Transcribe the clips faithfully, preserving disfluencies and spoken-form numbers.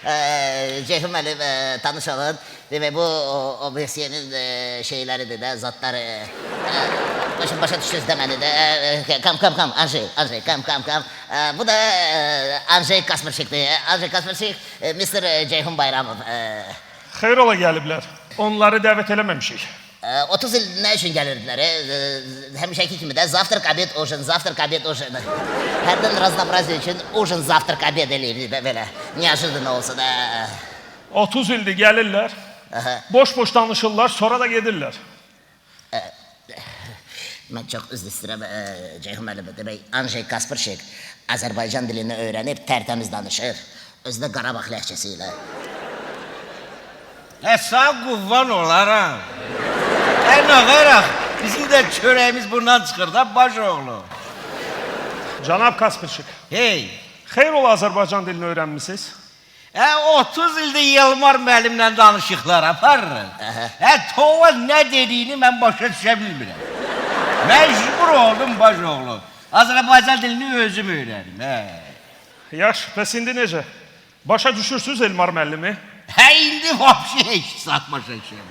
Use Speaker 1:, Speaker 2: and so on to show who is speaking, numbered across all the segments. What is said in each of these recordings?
Speaker 1: Ceyhun müəllim, e, tanış olun. Demək, bu obesiyenin e, şeyləridir də, zatları. E, başım başa düşdünüz də məni də. E, kam, kam, kam, Anjey, Anjey, kam, kam, kam. E, bu da e, Anjey Kasperçikdir. Anjey Kasperçik, e, mister Ceyhun Bayramov. E,
Speaker 2: Xeyr ola gəliblər. Onları dəvət eləməmişik.
Speaker 1: e, otuz il nə üçün gəlirdilər? E, e, həmişəki kimi də zavtrak, obed, ужин, zavtrak, obed, ужин. Hərdən raznobraziye üçün ужин, zavtrak, obed eləyirdik də belə. Неожиданно olsa da.
Speaker 2: otuz ildir gəlirlər. Boş-boş danışırlar, sonra da gedirlər.
Speaker 1: Mən çox üzr istəyirəm, e, Ceyhun müəllim. Demək, Anjey Kasperçik Azərbaycan dilini öyrənib tərtəmiz danışır. Özü də Qarabağ ləhcəsi ilə.
Speaker 3: Hə, sağ quvvan olaram. Hə, nə qaraq, bizim də çörəyimiz bundan çıxır da, baş oğlu.
Speaker 2: Cənab Kasperçik,
Speaker 3: Hey,
Speaker 2: xeyr ola Azərbaycan dilini öyrənmisiniz?
Speaker 3: hə, otuz ildir Yılmar müəllimlə danışıqlar aparırıq. Hə, tova nə dediyini mən başa düşə bilmirəm. Məcbur oldum, baş oğlu. Azərbaycan dilini özüm öyrənim, hə.
Speaker 2: Yaxşı, bəs indi necə? Başa düşürsünüz Elmar müəllimi?
Speaker 3: Hə, indi vapşi heç saat başa düşəm.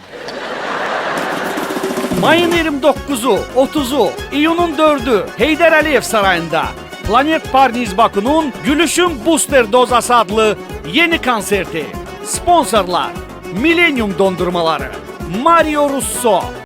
Speaker 4: Mayın iyirmi dokkuzu, otuzu, iyunun dördü Heydər Əliyev sarayında Planet Parniz Baku'nun Gülüşün Booster Dozası adlı yeni konserti. Sponsorlar Millennium Dondurmaları, Mario Russo,